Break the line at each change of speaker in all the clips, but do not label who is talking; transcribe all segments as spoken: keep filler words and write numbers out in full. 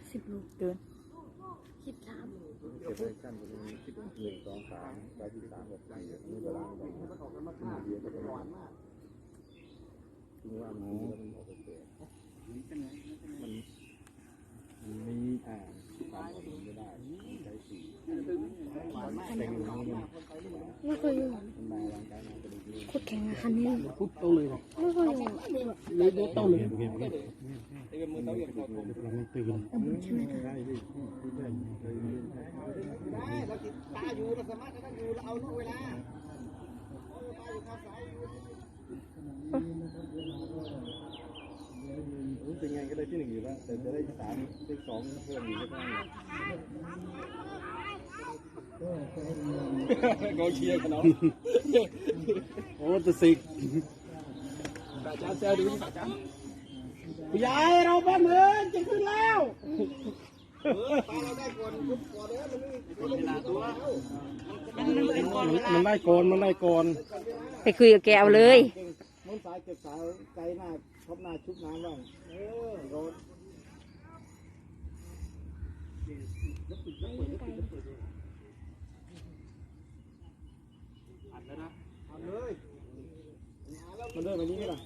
สิบโล
เกิน
สิบสาม
เก็บไว้ขั้นตรงนี้สิบหนึ่งสองสามไปที่สามกับสี่นี่เวลาไปเดียวก็จะร้อนมากถึงว่ามันแล้วมันออกไปเปลี่ยนมันมันมีอ่าสามคนไม่ได้ใช้สี่แต่งอย่างนี้
ไม่เคยอยู่
มันมาร่างกายมันจะดี
โคตรแข็งอะคันนี้
พุทโตเลย
ไม่เคยอยู่
เลยโตเลย
เราไม่ตื่น
ใช่ไหมคะ
ได้ดิได้เคยเรียนได้
ได้เราติดตาอยู่เราสามารถนั่งอยู่เราเอาลูกเวลาตาอยู่ข้างซ้ายอยู่
เป็นไงก็ได้ที่หนึ่งอยู่แล้วแต่จะได้สามได้สองเพิ่มอยู่ก็ได้
กองเชียร์กันเนาะ
โอ้ตัวสิก
ตาจ้าเซลดูนี่ตาจ้าผู้ใหญ่เราบ้านเมืองจะขึ้นแล้วตาเราได้ก่อนยุบก่อนเลยมันไม่มีเวลาตัวมันได้ก่อนมันได้ก่อน
ไปคุยกับแกเอาเลย
มุนสายเก็บสายไกลหน้าทบหน้าชุบน้ำบ้างเออโดนอัดเลยนะอัดเลยมันเดินไปนี้ก็ได้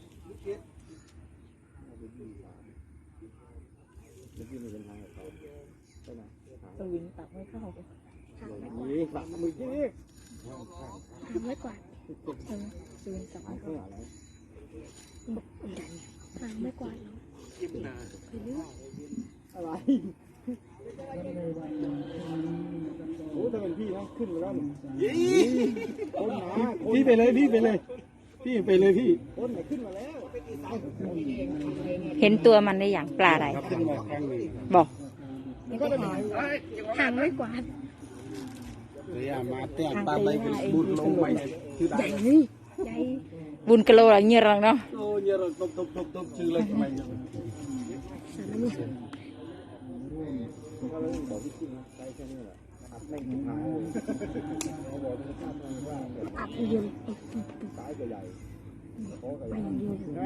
เมื่อกี้มีปัญหากับเขาใช่ไหม
สวิงตักไม่เข้า
นี่ฝักมือกี้
ทำไว้ก่อน
สวิงตักไม่
เพื่
เข้า
ออะไร
ทำไว้ก่อนไปเรื่อย
อะไรโอ้ถ้าเป็นพี่นะขึ้นมาแล้วนี่คนหนาพี่ไปเลยพี่ไปเลยพี่ไปเลยพี่คนไหนขึ้นมาแล้ว
เห็นตัวมันได้อย่างปลาอะไร
ขึ้นมาครั้งหนึ่ง
บอก
ไม่ได้หาทางไว้ก่อน
เรียมาเตะตาใบเป็นบุญลงไปคือ
ใหญ่นี่ใหญ่
บุญกะโลอะไรเงี้ยรังเนาะ
โอ้ยเราตบตบตบตบชื่อเลยทำไมเนี่ย
สารเนี่ย
เขาเลยบอกพี่จริงนะใช้แค่นี้แหละอัดไม่ถึงหายเขาบอกที่ข้ามมันว่าแบบ
อัดเดียว
ซ้ายก็ใหญ่โค้งก็ให
ไป
ญ่
อย่างเดียว
นะ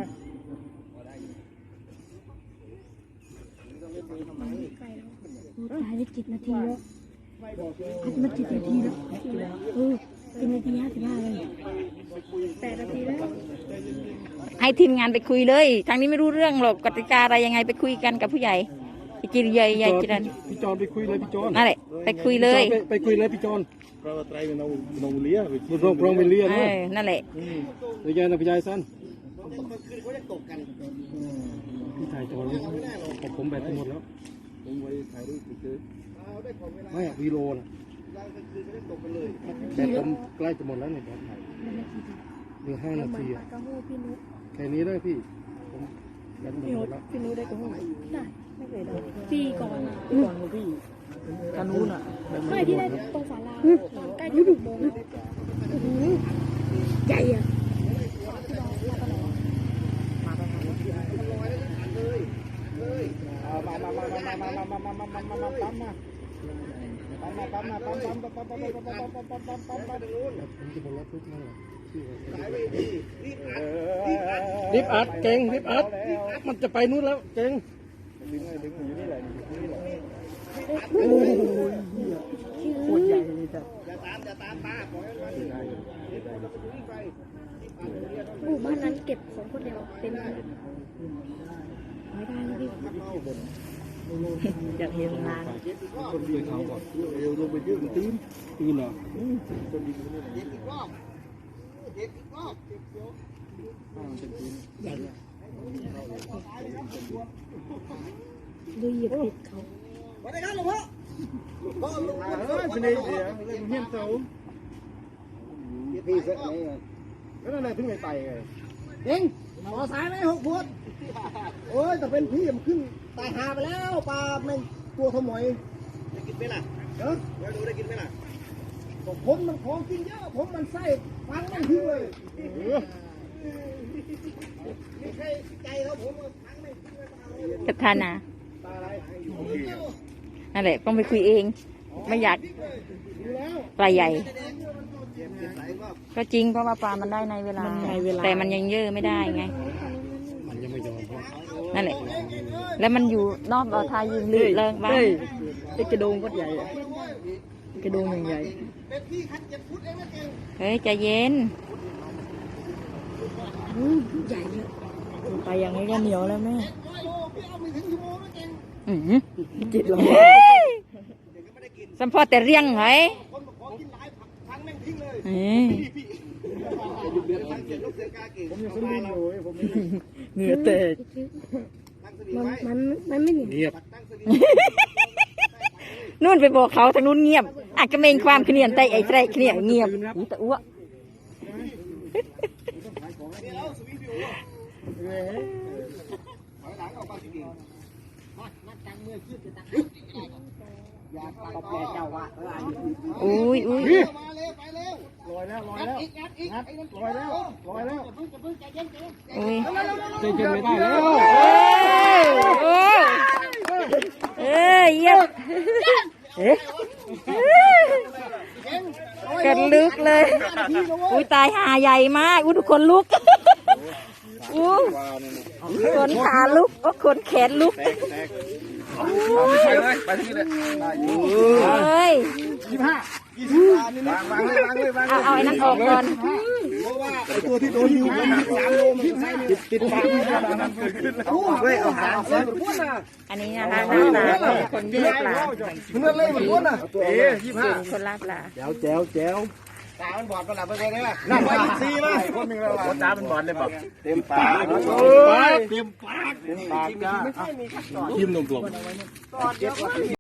ใกล้แล้วตายได้เจ็ดนาทีแล้วอัดมาเจ็ดนาทีแล้วเออเป็นนาทีห้าสิบห้าเลยแปดนาทีแล้ว
ให้ทีมงานไปคุยเลยทางนี้ไม่รู้เรื่องหรอกกติกาอะไรยังไงไปคุยกันกับผู้ใหญ่ไปกินใหญ่ใหญ่กินนั่น
พี่จอนไปคุยเลยพี่จอน
นั่นแหละไปคุยเลย
ไปคุยเลยพี่จอน
เพราะว่าไตรเป็นเอาเอาเลี้ยไป
มันรองรองไปเรียน
เอ
นะ
อนั่นแหละ
เรียนนะพี่ยายสั้นพี่ถ่ายจอนของผมแบตหมดแล้ว
ผมไว้ถ่ายรูปไปซื้อ
ไม่อะวีโลนะแบตผมใกล้จะหมดแล้วเนี่ยแบตถ่ายเหลือห้านาทีอะ
กระหู้พี่นุ๊ก
แค่นี้ได้พี่ผมแบตหมดแล้ว
พี่นุ้ได้กับหู
ได้
ไม่เคยได้
ปีก่อน
ก่อนพี่กานูนอ่ะ
ไม่ที่ได้ตรงศาลาตอนใกล้จะถึงโมงใหญ่อะ
มามามามามามามามามามามามาปั๊มมาปั๊มมาปั๊มมาปั๊มปั๊มปั๊มปั๊มปั๊มปั๊มปั๊มปั๊มปั๊มปั๊มปั๊มปั๊มผมจะบอกว่าทุกนั่นแหละรีบอัดเก่งรีบอัดมันจะไปนู่นแล้วเก่ง
ดึงเลยดึงอยู่นี่แหละอยู่นี่แหละ
โอ้ย
โคตรใหญ่เลยจ้ะ
หมู่บ้านนั้นเก็บของคนเดียวเป็นไม่ได้เลยพี่
อยากเห็นนาน
คนเดียวเขาก่อนเอวลงไปยืดตื้น
ตื่นเหรอ
คนดีคนนี้
ดูเหยียบผิดเขา
วันนี้ครับหลวงพ่อ
เออเป็นไงเดี๋ยวเฮียนเสาพี่เสร็จไงแล้วนั่นแหละถึงไม่ไปไง
เก่งหมอสายไหมหกพวดโอ้ยแต่เป็นพี่มันขึ้นตายหาไปแล้วปลาแม่งตัวทมอยได้กินไหมล่ะเออแล้วดูได้กินไหมล่ะผมมันของกินเยอะผมมันไส้ฟังมันทิ้งเลยไม่ใช่ใจเขาผมฟังไม่ทิ้งเลย
กับทานา
ตาอะไร
นั่นแหละต้องไปคุยเอง ไม่อยากปลาใหญ่ ก็จริงเพราะว่าปลามันได้ในเวลา แต่มันยังเยอะไม่ได้ไง
มันยังไม่ยอม
นั่นแหละ
เ
แล้วมันอยู่นอกบ่อทายิงลื่นเริงบ้าง
ไอ้กระโดงก็ใหญ่อะกระโดงอย่างใหญ่
เป็นพี่คันเจ็ดฟุตเองนะเก่ง
เฮ้ยใจเย็น
อืมใหญ่เยอะไปอย่างนี้ก็เหนียวแล้วแม่
ร้อยโลพี่เอาไม่ถึงชั่วโมงนะเก่ง
อือ
จิตลง
สัมพอแต่เรียงเหรอ
คนบอกขอกินหลายครั้งแม่งทิ้งเลย
เอ้ย
เดือดทั้งเจ็ดลูกเสือกาเก่งผมยังสลิงอยู่ผม
เหงื่อแตก
ตั้งสลิง
มัน
ไว้
มันมันไม่เหนียว
เงียบ
ตั้งสลิง
นู่นไปบอกเขาทางนู้นเงียบอาจจะเมงความเขนียนใจไอ้ใจเขนียนเงียบอุ๊ยแต่อ้วก
นี่แล้วสวิงฟิวถอยหลังออกมาสิเก่งมานักตังเมื่อขึ้นจะตังอยากตบแกเจ้าว่าเออ
อุ้ยอุ้ย
มาเร็วไปเร็ว
ลอยแล้วลอยแล้ว
อีกงัดอีกงัด
ลอยแล้วลอยแล้ว
เพิ่งจะเพิ่งใจเย็นใจเย็น
อุ้ย
ใจเย็นไม่ได้แล้ว
เอ้ยเอ้ยเยี่ยมเอ๊ะกันลึกเลยอุ้ยตายหาใหญ่มากอุ้ยทุกคนลุกอู้ขนขาลุกโอ้ขนแขนลุก
ไปเลยไปที่นี่เลยได้อยู่
เอ้ย
ยี่ห้ายี่สิบวางวางเลยวางเลยวาง
เอาเอาไอ้นั่นออกก่อน
เพราะว่าไอ้ตัวที่โดนอยู่มันหนักสามโลมันขึ้นไส้ติดติดปาก
นั้นเกิดขึ้นแล้ว
เอาเว้ยเอาหางเส้นพุ่นน่ะ
อันนี้นะคะหน้าตาของคนเลือกปลา
เนื้อเล่มันพุ่นน่ะ
เอ๊ยี่ห้า
คนล่าปลา
แจ๋วแจ๋วแจ๋ว
ตามันบอดมันหลับไปเลยนะนั่นไปซีมา
คนหนึ่งแล้วคนจ้าเป็นบอลเลยบอกเต็มปาก
โอ้ย
เต็มปากเต็มปากจ้ายิ้มนมตัว